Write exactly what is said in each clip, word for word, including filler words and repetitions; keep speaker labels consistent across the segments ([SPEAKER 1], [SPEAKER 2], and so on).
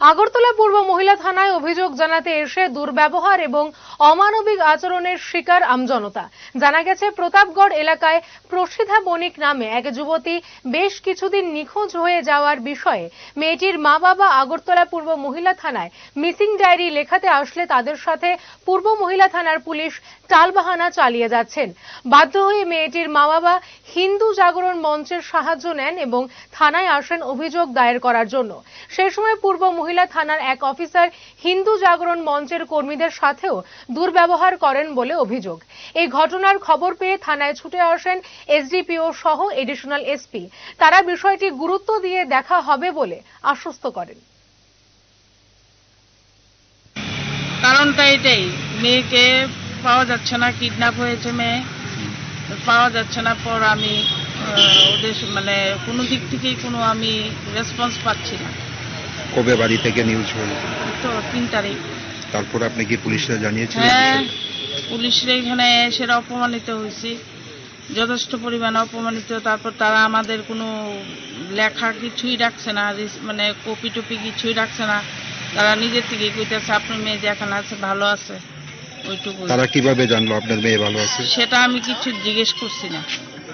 [SPEAKER 1] আগরতলা পূর্ব মহিলা থানায় অভিযোগ জানাতে এসে দুর্ব্যবহার এবং অমানবিক আচরণের শিকার আমজনতা। জানা গেছে, প্রতাপগড় এলাকায় প্রসিদ্ধা বণিক নামে এক যুবতী বেশ কিছুদিন নিখোঁজ হয়ে যাওয়ার বিষয়ে মেয়েটির মা বাবা আগরতলা পূর্ব মহিলা থানায় মিসিং ডায়েরি লেখাতে আসলে তাদের সাথে পূর্ব মহিলা থানার পুলিশ টালবাহানা চালিয়ে যাচ্ছেন। বাধ্য হয়ে মেয়েটির মা বাবা হিন্দু জাগরণ মঞ্চের সাহায্য নেন এবং থানায় আসেন অভিযোগ দায়ের করার জন্য। সেই সময় পূর্ব মহিলা থানার এক অফিসার হিন্দু জাগরণ মঞ্চের কর্মীদের সাথেও দুর্ব্যবহার করেন বলে অভিযোগ। এই ঘটনার খবর পেয়ে থানায় ছুটে আসেন এসডিপিও সহ এডিশনাল এসপি। তারা বিষয়টি গুরুত্ব দিয়ে দেখা হবে বলে আশ্বস্ত করেন।
[SPEAKER 2] কারণটা এটাই, মেয়েকে পাওয়া যাচ্ছে না, কিডন্যাপ হয়েছে মেয়ে, পাওয়া যাচ্ছে না। পর আমি ওদের মানে কোনো দিক থেকেই কোনো আমি রেসপন্স পাচ্ছি না।
[SPEAKER 3] কবে বাড়ি থেকে নিউজ হলো?
[SPEAKER 2] তো তিন তারিখ।
[SPEAKER 3] তারপর আপনি কি পুলিশরা জানিয়েছিলেন?
[SPEAKER 2] হ্যাঁ, পুলিশরা এখানে সেটা অপমানিত হয়েছি, যথেষ্ট পরিমাণে অপমানিত। তারপর তারা আমাদের কোনো লেখা কিছুই রাখছে না, মানে কপি টপি কিছুই রাখছে না। তারা নিজের থেকে কইতেছে আপনার মেয়ে যেখানে আছে ভালো আছে, ওইটুকু।
[SPEAKER 3] তারা কিভাবে জানলো আপনার মেয়ে ভালো আছে?
[SPEAKER 2] সেটা আমি কিছু জিজ্ঞেস করছি না।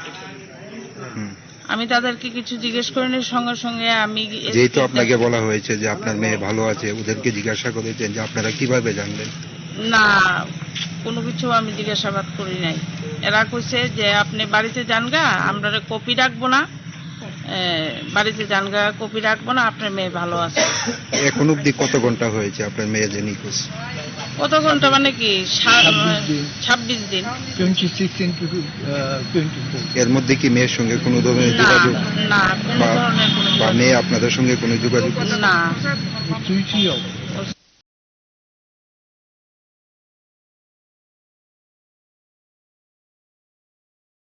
[SPEAKER 2] আমি তাদেরকে কিছু জিজ্ঞেস করিনি, সঙ্গে সঙ্গে আমি
[SPEAKER 3] যেহেতু আপনাকে বলা হয়েছে যে আপনার মেয়ে ভালো আছে, ওদেরকে জিজ্ঞাসা করেছেন যে আপনারা কিভাবে জানলেন?
[SPEAKER 2] না, কোনো কিছু আমি জিজ্ঞাসাবাদ করি নাই। এরা কইছে যে আপনি বাড়িতে যান গা, আমরা কপি রাখবো না, বাড়িতে যান গা, কপি রাখবো না, আপনার মেয়ে ভালো আছে।
[SPEAKER 3] এখন অব্দি কত ঘন্টা হয়েছে আপনার মেয়ে যে নিখোঁজ?
[SPEAKER 2] কত ঘন্টা মানে কি ছাব্বিশ দিন।
[SPEAKER 3] এর মধ্যে কি মেয়ের সঙ্গে কোনো ধরনের যোগাযোগ?
[SPEAKER 2] না, কোনো ধরনের
[SPEAKER 3] বা মেয়ে আপনাদের সঙ্গে কোনো যোগাযোগ?
[SPEAKER 2] না।